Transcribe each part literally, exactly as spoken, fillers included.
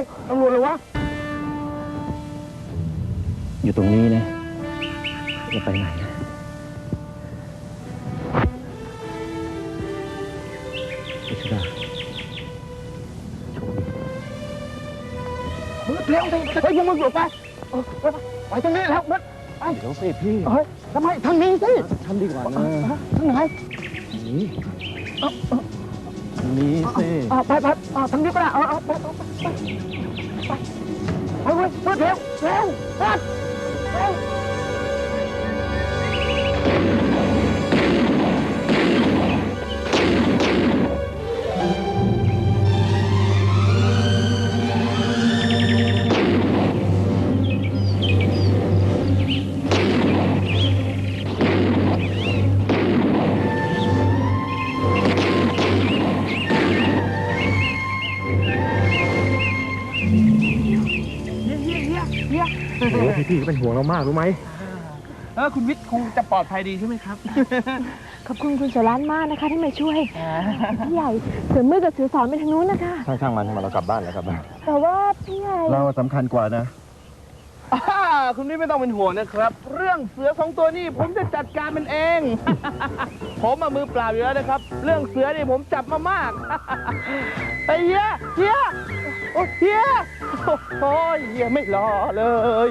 ตำรวจเลยวะอยู่ตรงนี้นะจะไปไหนนะพิชดาเบิร์ดเร็วสิเฮ้ยยังมึงหลุดไปไปตรงนี้แล้วเบิร์ดไปเดี๋ยวสิพี่เฮ้ยทำไมทางนี้สิทำดีกว่านะทางไหนนี่ทางนี้สิไปไปทางนี้ก็ได้เอาเอาไปไปไปไปเฮ้ยเบิร์ดเร็วเร็วเบิร์ดเร็วพี่ก็เป็นห่วงเรามากรู้ไหมเออคุณวิทย์คงจะปลอดภัยดีใช่ไหมครับขอบคุณคุณเสือร้านมากนะคะที่มาช่วยพี่ใหญ่เสือมือกับเสือสอนไปทางนู้นนะคะช่างช่างมันมาเรากลับบ้านแล้วครับแต่ว่าพี่ใหญ่เราสำคัญกว่านะคุณวิทย์ไม่ต้องเป็นห่วงนะครับเรื่องเสือสองตัวนี้ผมจะจัดการมันเองผมมามือเปล่าอยู่แล้วนะครับเรื่องเสือนี่ผมจับมามากไอ้เหี้ยเหี้ยโอ้เหี้ยโอ้ยเหี้ยไม่รอเลย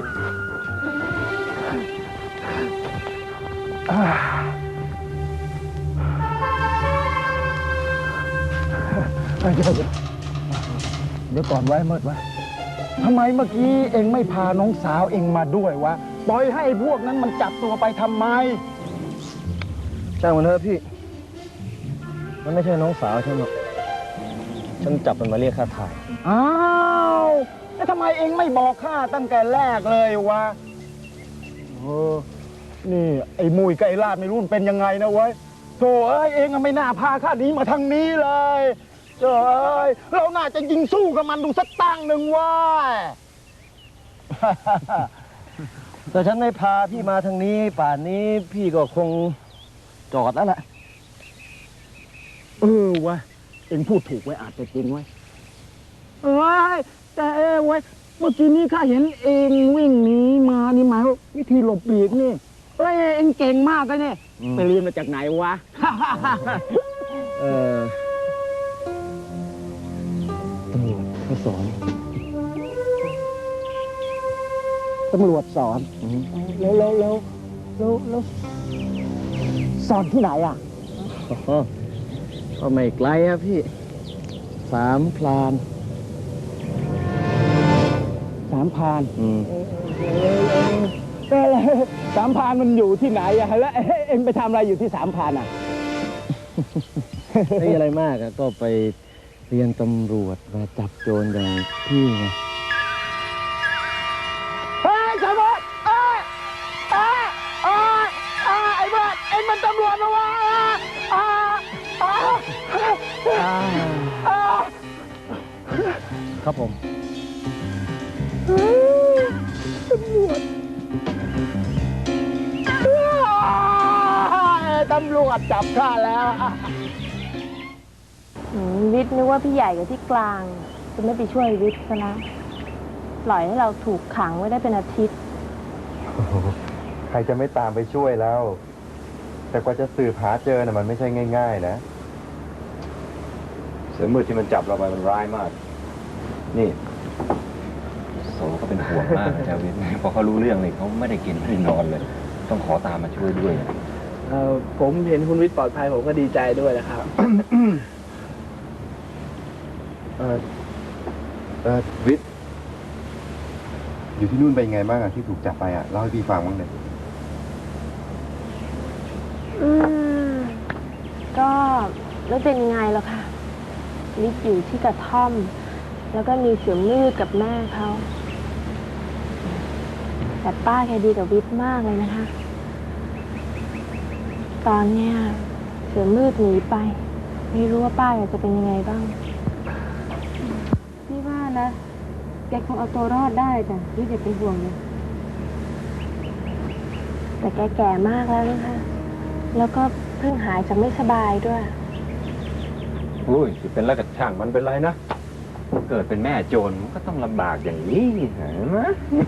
เดี๋ยวเดี๋ยวก่อนไว้เมื่อวะทำไมเมื่อกี้เองไม่พาน้องสาวเองมาด้วยวะปล่อยให้พวกนั้นมันจับตัวไปทำไมช่างมันเถอะพี่มันไม่ใช่น้องสาวฉันหรอกฉันจับมันมาเรียกค่าถ่ายอ้าวแล้วทำไมเองไม่บอกข้าตั้งแต่แรกเลยวะเออนี่ไอ้มุยกับไอ้ลาดไม่รู้เป็นยังไงนะเว้ยโธ่เอ้ยเองไม่น่าพาข้าหนีมาทางนี้เลยเจ้ยเราน่าจะยิงสู้กับมันดูสักตั้งหนึ่งว่าแต่ฉันไม่พาพี่มาทางนี้ป่านนี้พี่ก็คงจอดแล้วแหละเออวะเองพูดถูกไว้อาจจะจริงไว้เอ้ยแต่เอ้ไว้เมื่อกี้นี้ข้าเห็นเองวิ่งหนีมานี่หมายว่าวิธีหลบหลีกนี่เอ้ยเองเก่งมากเลยเนี่ยไปเรียนมาจากไหนวะเออตำรวจเขาสอนตำรวจสอนแล้วแล้วแล้วแล้วแล้วสอนที่ไหนอ่ะก็ไม่ไกลครับพี่สามพลานสามพลานอืมสามพลานมันอยู่ที่ไหนอะแล้วเอ็งไปทำอะไรอยู่ที่สามพลานอ่ะไม่อะไรมากอะก็ไปเรียนตำรวจมาจับโจรอย่างพี่ไงเฮ้ยตำรวจเอ้ยเอ้ยเอ้ยไอ้บ้าเอ็งมันตำรวจนะวะครับผมตำรวจตำรวจจับข้าแล้ววิทย์นึกว่าพี่ใหญ่กับที่กลางจะไม่ไปช่วยวิทย์ซะนะปล่อยให้เราถูกขังไว้ได้เป็นอาทิตย์ใครจะไม่ตามไปช่วยแล้วแต่กว่าจะสืบหาเจอน่ะมันไม่ใช่ง่ายๆนะเสือมืดที่มันจับเราไปมันร้ายมากนี่โสก็เป็นห่วงมากนะเจ้าวิทย์พอเขารู้เรื่องเลยเขาไม่ได้กินไม่ได้นอนเลยต้องขอตามมาช่วยด้วยเออผมเห็นคุณวิทย์ปลอดภัยผมก็ดีใจด้วยนะครับเออเออวิทย์อยู่ที่นู่นเป็นไงบ้างอะที่ถูกจับไปอะเล่าให้พี่ฟังบ้างเลยอืมก็ไม่เป็นยังไงหรอกค่ะวิทย์อยู่ที่กระท่อมแล้วก็มีเสือมืดกับแม่เขาแต่ป้าแกดีกับวิทย์มากเลยนะคะตอนเนี้ยเสือมืดหนีไปไม่รู้ว่าป้าแกจะเป็นยังไงบ้างพี่ว่านะแกคงเอาตัวรอดได้แต่วิทย์อย่าเป็นห่วงเลยแต่แกแก่มากแล้วนะคะแล้วก็เพิ่งหายจากไม่สบายด้วยโอ้ยเป็นแล้วกับช่างมันเป็นไรนะเกิดเป็นแม่โจรมันก็ต้องลำบากอย่างนี้เห็นไหม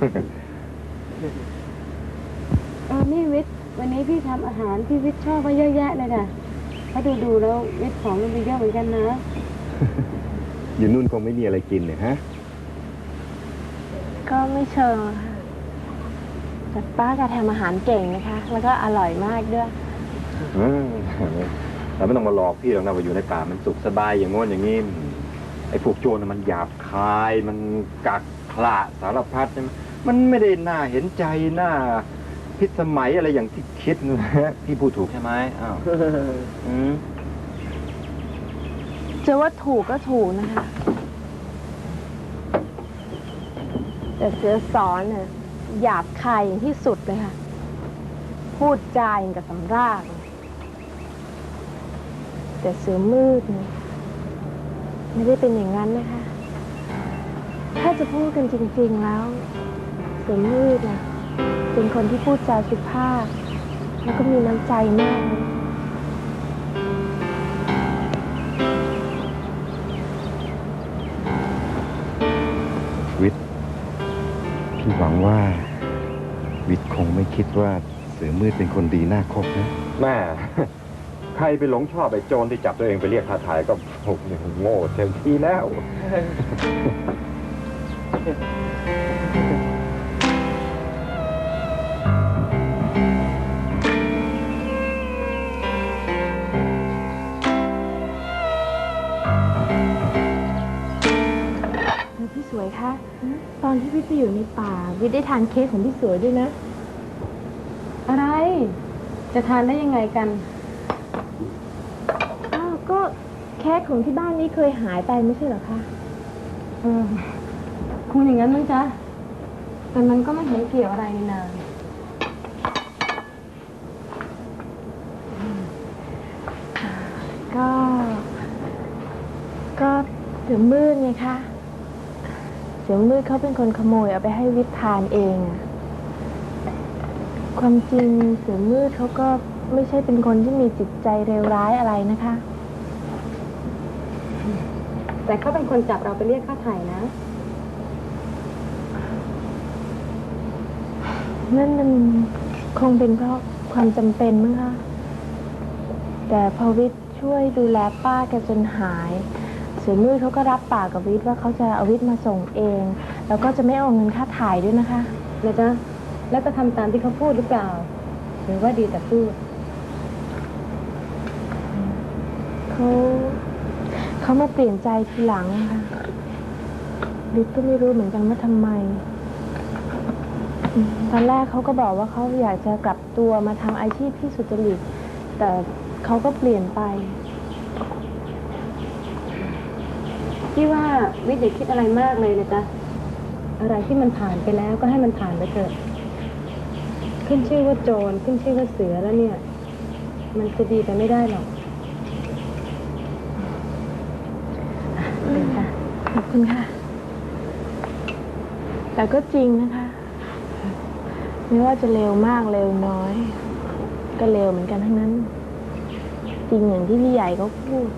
เออนี่วิทย์วันนี้พี่ทำอาหารที่วิทย์ชอบมาเยอะแยะเลยนะถ้าดูดูๆแล้ววิทย์ของมันมีเยอะเหมือนกันนะอยู่นู่นคงไม่มีอะไรกินเลยฮะก็ไม่เชิงค่ะแต่ป้าแกทำอาหารเก่งนะคะ แล้วก็อร่อยมากด้วยอืมเราไม่ต้องมาหลอกพี่หรอกนะว่าอยู่ในป่ามันสุขสบายอย่างโน้นอย่างนี้ไอ้พวกโจรน่ะมันหยาบคายมันกักขระสารพัดใช่ไหมมันไม่ได้น่าเห็นใจน่าพิสมัยอะไรอย่างที่คิดนะพี่พูดถูกใช่ไหมอ้าวอืมจะว่าถูกก็ถูกนะคะ แต่เสือสอนเนี่ยหยาบคายอย่างที่สุดเลยค่ะ พูดจาอย่างกับสำรากเลยแต่เสือมืดเนี่ยไม่ได้เป็นอย่างนั้นนะคะ ถ้าจะพูดกันจริงๆแล้ว เสือมืดน่ะเป็นคนที่พูดจาสุภาพ แล้วก็มีน้ำใจมากเลยวิทย์พี่หวังว่า วิทย์คงไม่คิดว่าเสือมืดเป็นคนดีน่าคบนะแม่ ใครไปหลงชอบไอ้โจรที่จับตัวเองไปเรียกค่าถ่ายก็โอ้โหโง่เต็มที่แล้วเออพี่สวยคะตอนที่พี่ไปอยู่ในป่าวิทย์ได้ทานเค้กของพี่สวยด้วยนะ อะไร จะทานได้ยังไงกันอ้าวก็เค้กของที่บ้านนี้เคยหายไปไม่ใช่เหรอคะเออคงอย่างนั้นมั้งจ๊ะแต่มันก็ไม่เห็นเกี่ยวอะไรนี่นาก็ ก็เสือมืดไงคะ เสือมืดเขาเป็นคนขโมยเอาไปให้วิทย์ทานเองอะความจริงเสือมืดเขาก็ไม่ใช่เป็นคนที่มีจิตใจเลวร้ายอะไรนะคะ แต่เขาเป็นคนจับเราไปเรียกค่าไถ่นะนั่นมันคงเป็นเพราะความจำเป็นมั้งคะแต่พอวิทย์ช่วยดูแลป้าแกจนหายเสือมืดเขาก็รับปากกับวิทย์ว่าเขาจะเอาวิทย์มาส่งเอง แล้วก็จะไม่เอาเงินค่าถ่ายด้วยนะคะนะจ๊ะแล้วก็ทำตามที่เขาพูดหรือเปล่าหรือว่าดีแต่พูดเขาเขามาเปลี่ยนใจทีหลังค่ะวิทย์ก็ไม่รู้เหมือนกันว่าทำไมอืมตอนแรกเขาก็บอกว่าเขาอยากจะกลับตัวมาทำอาชีพที่สุจริตแต่เขาก็เปลี่ยนไปพี่ว่าวิทย์อย่าคิดอะไรมากเลยนะจ๊ะอะไรที่มันผ่านไปแล้วก็ให้มันผ่านไปเถอะขึ้นชื่อว่าโจรขึ้นชื่อว่าเสือแล้วเนี่ยมันจะดีไปไม่ได้หรอกค่ะขอบคุณค่ะ แต่ก็จริงนะคะไม่ว่าจะเร็วมากเร็วน้อย ก็เร็วเหมือนกันทั้งนั้น จริงอย่างที่พี่ใหญ่เขาพูด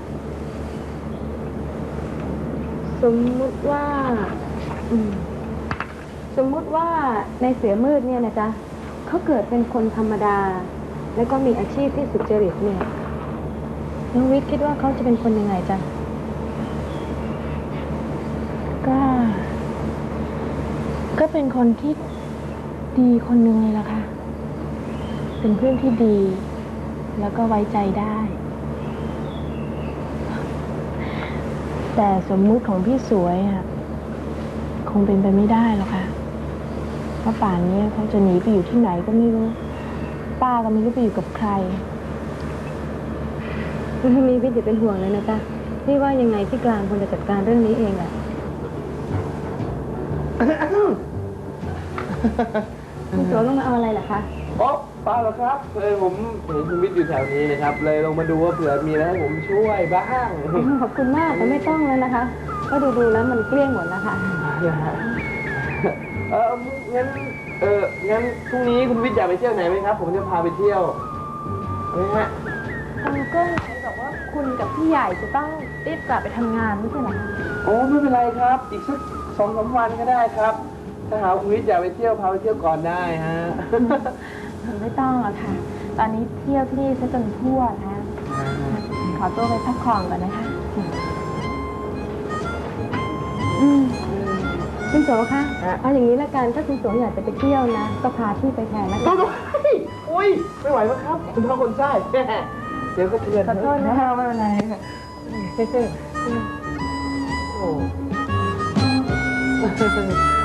สมมุติว่าอืมสมมุติว่าในเสือมืดเนี่ยนะจ๊ะเขาเกิดเป็นคนธรรมดา แล้วก็มีอาชีพที่สุจริตเนี่ยน้องวิทย์คิดว่าเขาจะเป็นคนยังไงจ๊ะก็ ก็เป็นคนที่ดีคนหนึ่งเลยล่ะค่ะเป็นเพื่อนที่ดี แล้วก็ไว้ใจได้ แต่สมมุติของพี่สวยอ่ะคงเป็นไปไม่ได้หรอกค่ะเพราะป่านนี้เขาจะหนีไปอยู่ที่ไหนก็ไม่รู้ ป้าก็ไม่รู้ไปอยู่กับใครมีวิทย์อย่าเป็นห่วงเลยนะจ๊ะพี่ว่ายังไงที่กลางคงจะจัดการเรื่องนี้เองแหละคุณสวยลงมาเอาอะไรเหรอคะอ๋อเปล่าหรอกครับเลยผมเห็นคุณวิทย์อยู่แถวนี้นะครับ เลยลงมาดูว่าเผื่อมีอะไรให้ผมช่วยบ้างขอบคุณมากแต่ไม่ต้องแล้วนะคะก็ดูดูแล้วมันเกลี้ยงหมดแล้วค่ะเอองั้นเอองั้นพรุ่งนี้คุณวิทย์อยากไปเที่ยวไหนไหมครับ ผมจะพาไปเที่ยวเอาไหมฮะเออก็บอกว่าคุณกับพี่ใหญ่จะต้องรีบกลับไปทำงานไม่ใช่เหรอคะโอ้ไม่เป็นไรครับ อีกสักสองสามวันก็ได้ครับ ถ้าหาคุณวิทย์อยากไปเที่ยวพาไปเที่ยวก่อนได้ฮะไม่ต้องหรอกค่ะ ตอนนี้เที่ยวที่นี่ซะจนทั่วแล้วขอตัวไปพักผ่อนก่อนนะคะอืมคุณโสคะเอาอย่างนี้ละกันถ้าคุณโสอยากจะไปเที่ยวนะก็พาพี่ไปแทนนะคะต้องอุ้ย ไม่ไหวมั้งครับ คุณพ่อคนไส้ เดี๋ยวก็เตือนขอโทษนะคะไม่เป็นไรค่ะโอ้